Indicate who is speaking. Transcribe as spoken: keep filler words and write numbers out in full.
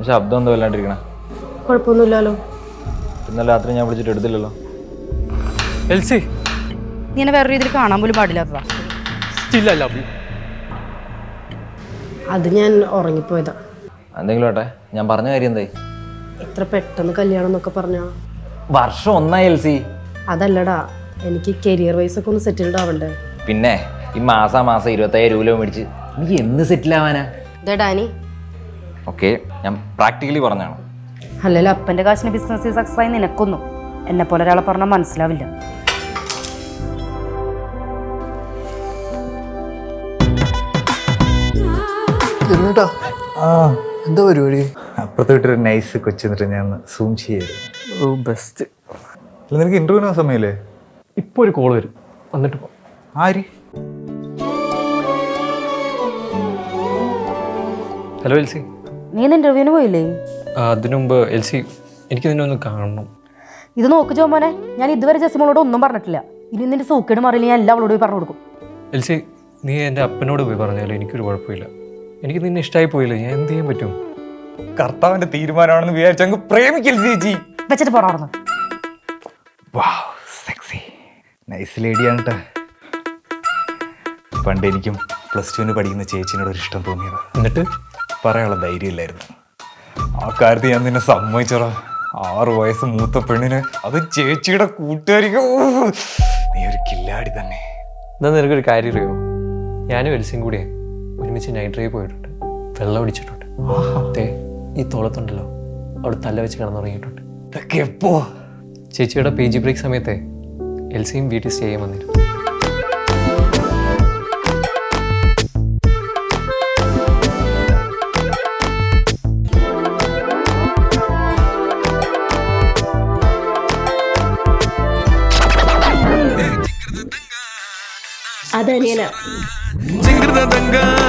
Speaker 1: ശബ്ദം എന്തോ വല്ലാണ്ടിരിക്കണ.
Speaker 2: കുഴപ്പമൊന്നുമില്ലല്ലോ.
Speaker 1: ഇന്നലെ രാത്രി ഞാൻ വിളിച്ചിട്ട് എടുത്തില്ലല്ലോ.
Speaker 3: എൽസി
Speaker 2: നീ എന്നെ വേറെ രീതിയിൽ കാണാൻ പോലും പാടില്ലാത്തതാ.
Speaker 3: Still I love you.
Speaker 2: അത് ഞാൻ ഉറങ്ങിപ്പോയതാ.
Speaker 1: എന്തെങ്കിലും ആട്ടെ, ഞാൻ പറഞ്ഞ കാര്യം എന്തായി?
Speaker 2: എത്ര പെട്ടെന്ന് കല്യാണം എന്നൊക്കെ പറഞ്ഞാ.
Speaker 1: വർഷം ഒന്നായി എൽസി.
Speaker 2: അതല്ലടാ, എനിക്ക് കരിയർ വൈസ് ഒക്കെ ഒന്ന് സെറ്റിൽഡ് ആവണ്ടേ.
Speaker 1: പിന്നെ ഈ മാസാ മാസം ഇരുപത്തയ്യായിരം രൂപ മേടിച്ച് നീ എന്ന് സെറ്റിൽ ആവാനാ?
Speaker 2: ഇതേ ഡാനി,
Speaker 1: ഓക്കെ, ഞാൻ പ്രാക്ടിക്കലി പറഞ്ഞാണ്.
Speaker 2: അല്ലല്ലോ അപ്പൻ്റെ കാശിന് ബിസിനസ് സക്സസ് ആയി നിനക്കൊന്നും എന്നെ പോലെ ഒരാളെ പറഞ്ഞാൽ മനസ്സിലാവില്ല.
Speaker 4: എന്താ പരിപാടി? അപ്പുറത്ത് വിട്ടൊരു നൈസ് കൊച്ചു എന്നിട്ട് ഞാൻ സൂം ചെയ്യായിരുന്നു.
Speaker 3: ബെസ്റ്റ്.
Speaker 4: നിനക്ക് ഇന്റർവ്യൂവിന് സമയല്ലേ?
Speaker 3: ഇപ്പോൾ ഒരു കോൾ വരും, വന്നിട്ട് പോ.
Speaker 4: ആര്?
Speaker 3: ഹലോ എൽസി.
Speaker 2: നീ ഇന്ന് ഇന്റർവ്യൂവിന് പോയില്ലേ?
Speaker 3: അതിനു മുമ്പ് എൽസി എനിക്ക് നിന്നെ ഒന്ന് കാണണം.
Speaker 2: ഇത് നോക്ക് ചോമോനെ, ഞാൻ ഇതുവരെ ജസിമോളോട് ഒന്നും പറഞ്ഞിട്ടില്ല. ഇനി നിന്റെ സൂക്കേട് മാറിയില്ല, ഞാൻ എല്ലാ അവളോട് പോയി പറഞ്ഞു കൊടുക്കും.
Speaker 3: എൽസി, നീ എൻ്റെ അപ്പനോട് പോയി പറഞ്ഞാലും എനിക്കൊരു കുഴപ്പമില്ല. എനിക്ക് നിന്നെ ഇഷ്ടമായി പോയില്ല, ഞാൻ എന്ത് ചെയ്യാൻ പറ്റും?
Speaker 4: കർത്താവിന്റെ തീരുമാനമാണെന്ന് വിചാരിച്ചു പ്രേമിക്കൽ ചേച്ചി.
Speaker 2: വെച്ചിട്ട് പോറാണെന്ന്.
Speaker 4: നൈസ് ലേഡിയാണ് കേട്ടോ. പണ്ട് എനിക്കും പ്ലസ് ടുവിന് പഠിക്കുന്ന ചേച്ചിനോട് ഒരു ഇഷ്ടം തോന്നിയത്.
Speaker 3: എന്നിട്ട്
Speaker 4: പറയാനുള്ള ധൈര്യമില്ലായിരുന്നു. ആ കാര്യത്തിൽ ഞാൻ നിന്നെ സമ്മതിച്ചോടാ. ആറു വയസ്സ് മൂത്ത പെണ്ണിന്, അത് ചേച്ചിയുടെ കൂട്ടുകാരിക്ക്. നീ ഒരു കില്ലാടി തന്നെ.
Speaker 3: എന്നാൽ നിനക്കൊരു കാര്യം അറിയോ? ഞാനും എൽസിയും കൂടി ഒരുമിച്ച് നൈറ്റ് ഡ്രൈവ് പോയിട്ടുണ്ട്, വെള്ളം അടിച്ചിട്ടുണ്ട്. അതെ, ഈ തോളത്തുണ്ടല്ലോ അവിടെ തല വെച്ച് കിടന്നുറങ്ങിയിട്ടുണ്ട്.
Speaker 4: ഇതൊക്കെ എപ്പോ?
Speaker 3: ചേച്ചിയുടെ പി ജി ബ്രേക്ക് സമയത്തെ എൽസിയും വീട്ടിൽ സ്റ്റേ ചെയ്യാൻ വന്നിരുന്നു.
Speaker 2: അതനിയനാ.